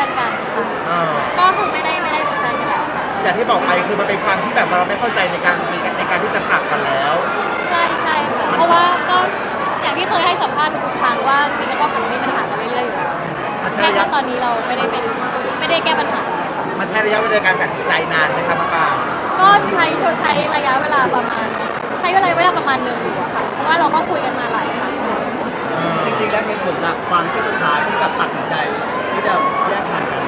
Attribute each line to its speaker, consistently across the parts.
Speaker 1: อนกันค่ะก็คือไม่ได้เป็นแฟนกันแล้วค่ะ
Speaker 2: อย่างที่บอกไปคือมันเป็นความที่แบบเราไม่เข้าใจในการที่จะปรับกันแล้ว
Speaker 1: ใช่ค่ะเพราะว่าก็อย่างที่เคยให้สัมภาษณ์ทุกครั้งว่าจริงๆแล้วก็มันมีปัญหากันเรื่อยๆอยู่แล้วแค่ว่าตอนนี้เราไม่ได้แก้ปัญหาค่ะ
Speaker 2: มันใช้ระยะเวลาการตัดสินใจนานไหมครับป้า
Speaker 1: ก็ใช้ระยะเวลาประมาณหนึ่งอยู่อะค่ะเพราะว่าเราก็คุยกันมาหลายครั้ง
Speaker 2: จริงๆแล้วเหตุผลหลักความที่สุดท้ายที่แบบตัดสินใจที่จะแยกทางกัน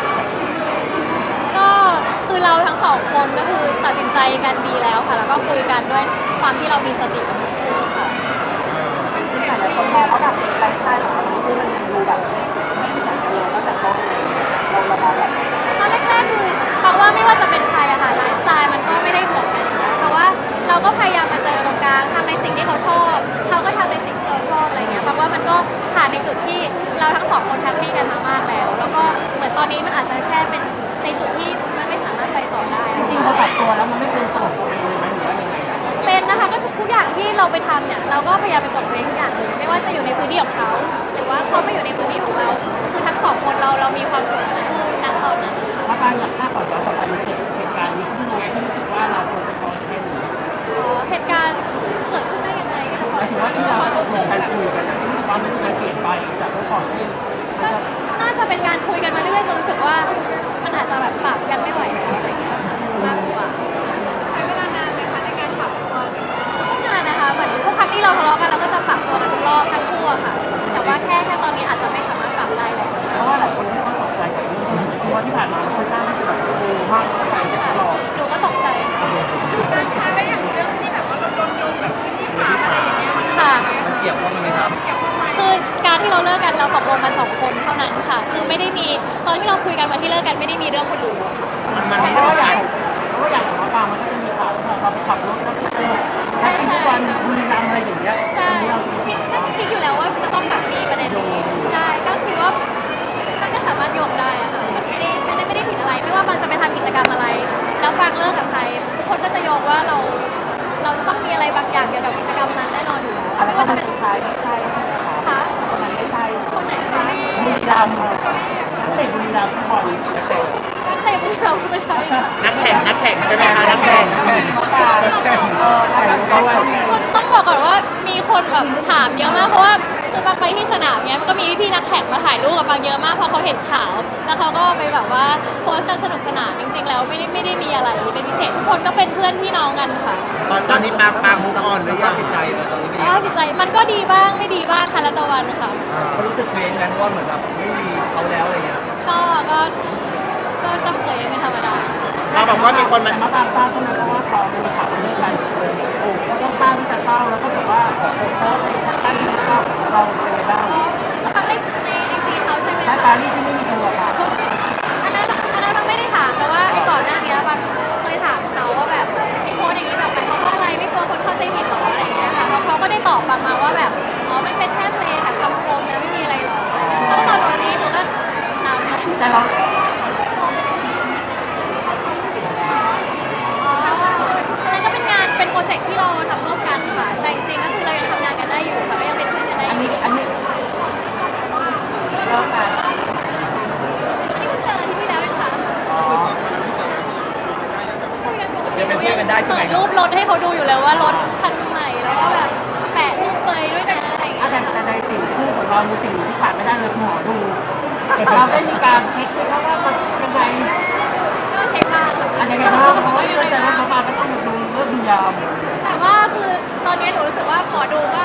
Speaker 1: ก็คือเราทั้งสองคนก็คือตัดสินใจกันดีแล้วค่ะแล้วก็คุยกันด้วยความที่เรามีสติกันทั้งคู่ค่ะ
Speaker 3: ที่หลายคนมองว่าแบบไลฟ์สไตล์ของเราคือมันดูแบบไม่เหมือนกันเลยตั้งแต่ต้นเลยเรามองแบบ
Speaker 1: ตอนแรกๆคือเพราะว่าไม่ว่าจะเป็นใครอะค่ะไลฟ์สไตล์มันก็ไม่ได้เหมือนกันแต่ว่าเราก็พยายามมาเจอตรงกลางทำในสิ่งที่เขาชอบเขาก็ทำในสิ่งที่เราชอบอะไรเงี้ยเพราะว่ามันก็ผ่านในจุดที่เราทั้งสองคนแฮปปี้กันมามากแล้วแล้วก็เหมือนตอนนี้มันอาจจะแค่เป็นในจุดที่มันไม่สามารถไปต่อได้
Speaker 3: จริงๆพอปรับตัวแล้วมันไม่เป็นตัวของตัวเองเลยไหมหรือว่ายังไง
Speaker 1: เป็นนะคะก็ทุกอย่างที่เราไปทำเนี่ยเราก็พยายามไปกดเว้นทุกอย่างเลยไม่ว่าจะอยู่ในพื้นที่ของเขาหรือว่าเขาไม่อยู่ในพื้นที่ของเราคือทั้งสองคนเรามีความสุขทั้งคู่ณตอนนั้น
Speaker 3: ถ้าการอยากถ้าก่อนย้อนกลับไปเหตุการณ์นี้ขึ้นยังไงที่รู้สึกว่าเราควรจะพอแค่นี้
Speaker 1: เหตุการณ์เกิดขึ้นได้ยังไง
Speaker 3: หมายถึงว่าที่เราคุยกันรู้สึกว่ามันเปลี่ยนไปจากเมื่อก่อนที่
Speaker 1: น่าจะเป็นการคุยกันมาเรื่อยๆจนรู้สึกว่ามันอาจจะแบบปรับกันไม่ไหวแล้วอะไรเงี้ยมากกว่าใช้เวลานานไหมคะในการปรับตัวก็นานนะคะเหมือนทุกครั้งที่เราทะเลาะกันเราก็จะปรับตัวกันทุกรอบทั้งคู่อะค่ะแต่ว่าแค่ตอนนี้อาจจะไม่สามารถปรับได้แล้ว
Speaker 3: เพราะว่าหลายคนที่เขาตกใจกับเรื่องนี้คือว่าที่ผ่านมาค่อนข้างที่จะแบบมากไปตลอด
Speaker 1: หนูก็ตกใจการใช้ไปอย่างเรื่องที่แบบว่าเราโดนโยงแบบที่สามอะไรอย่างเงี้ยค่ะ
Speaker 2: มันเกี่ยวข้องไหมครับ
Speaker 1: คือการที่เราเลิกกันเราตกลงกัน2 คนเท่านั้นค่ะคือไม่ได้มีตอนที่เราคุยกันวันที่เลิกกันไม่ได้มีเรื่องคนอื่นค่ะ
Speaker 2: มันไม่ได้
Speaker 3: ใหญ่เพราะว่าอย่างของปามันก็จะมีข่าวเราไปขับรถแล้วก็ใช้ทุกวันบุรีรัมย์อะไรอย่างเงี้ย
Speaker 1: ใช่คิดอยู่แล้วว่าจะต้องแบบมีประเด็นนี้ใช่ก็คือว่ามันก็สามารถโยงได้อะค่ะมันไม่ได้ผิดอะไรไม่ว่าบางจะไปทำกิจกรรมอะไรแล้วบางเลิกกับใครทุกคนก็จะโยงว่าเราจะต้องมีอะไรบางอย่างเกี่ยวกับกิจกรรมนั้นแน่นอนอยู่แล้วไม่ว่าจะเป็น
Speaker 3: ใครไม่ใช่ใช่ไหมคะคนนั้นไม่ใช่
Speaker 1: คนไหนคะ
Speaker 3: บุรีรัมย์นักเตะบุรีรัมย์ทุกคน
Speaker 1: นักเตะบุรีรัมย์ไม่ใช่
Speaker 2: นักแข่งใช่ไหมคะนักแข่ง
Speaker 1: ต้องบอกก่อนว่ามีคนแบบถามเยอะมากเพราะว่าคือบางไปที่สนามเนี้ยมันก็มีพี่นักแข่งมาถ่ายรูปกับบางเยอะมากเพราะเขาเห็นข่าวแล้วเขาก็ไปแบบว่าโพสต์กันสนุกสนานจริงๆแล้วไม่ได้มีอะไรเป็นพิเศษทุกคนก็เป็นเพื่อนพี่น้องกันค่ะ
Speaker 2: ตอนนี้ปางมุกออนหรือยังจิตใจเลยตอนนี้
Speaker 1: จิตใจมันก็ดีบ้างไม่ดีบ้างค่ะละตะวันค่ะ
Speaker 2: ก็รู้สึกเคว้งกันว่าเหมือนแบบไม่มีเขาแล้วอะไรเงี้ย
Speaker 1: ก็ต้องเคยเป็นธรรมดา
Speaker 2: เราบอกว่ามีคน
Speaker 3: มาตามทราบใช่ไหมเพราะว่าพอมีข่าวเลิกกันโอ้ก็ต้องตั้งที่จะเศร้าแล้วก็แบบว่าขอโทษตั้งที่จะเศร้าเราเป็นไงบ้าง
Speaker 1: ตั้งในไอจีเขาใช่ไหม
Speaker 3: ใช่ปานี่ที่ไม่มีตัวค่ะ
Speaker 1: อันนั้นบางไม่ได้ถามแต่ว่าไอ้ก่อนหน้านี้บางเคยถามเขาว่าแบบไอ้โพสอย่างนี้แบบหมายความว่าอะไรไม่กลัวคนเข้าใจผิดหรออะไรอย่างเงี้ยค่ะเขาก็ได้ตอบบางมาว่าแบบอ๋อมันเป็นแค่เพลงกับคำคมนะไม่มีอะไรหรอกแล้วตอนนี้หนูก็นำมา
Speaker 3: แต่เรา
Speaker 1: เป็นโปรเจกต์ที่เราทำร่วมกันค่ะแต่จริงๆก็คือเรายังทำงานกันได้อยู่ค่ะก็ยังเป็นเพื่อนกันได้
Speaker 3: อันนี้
Speaker 1: เลิกกันอันนี้เพิ่งเจออาทิตย์ที่แล้วเองค่ะ
Speaker 2: ยังเป็นเพื่อนกันได้ใช่ไหม
Speaker 1: เปิดรูปรถให้เขาดูอยู่เลยว่ารถคันใหม่แล้วก็แบบแปะรูปเปยด้วยนะอะไรอย่างเงี้ย
Speaker 3: แต่ในสิ่งคู่ของเรามีสิ่งที่ขาดไม่ได้เลยหมอดูเราได้มีการเช็คไหมครับว่ามันยังไง
Speaker 1: ก็เช็คบ้างค่ะ
Speaker 3: อันยังไงบ้างเพราะว่าเรื่องแต่ละเขามาก็ต้องดูเรื่องยาว
Speaker 1: แต่ว่าคือตอนนี้หนูรู้สึกว่าหมอดูก็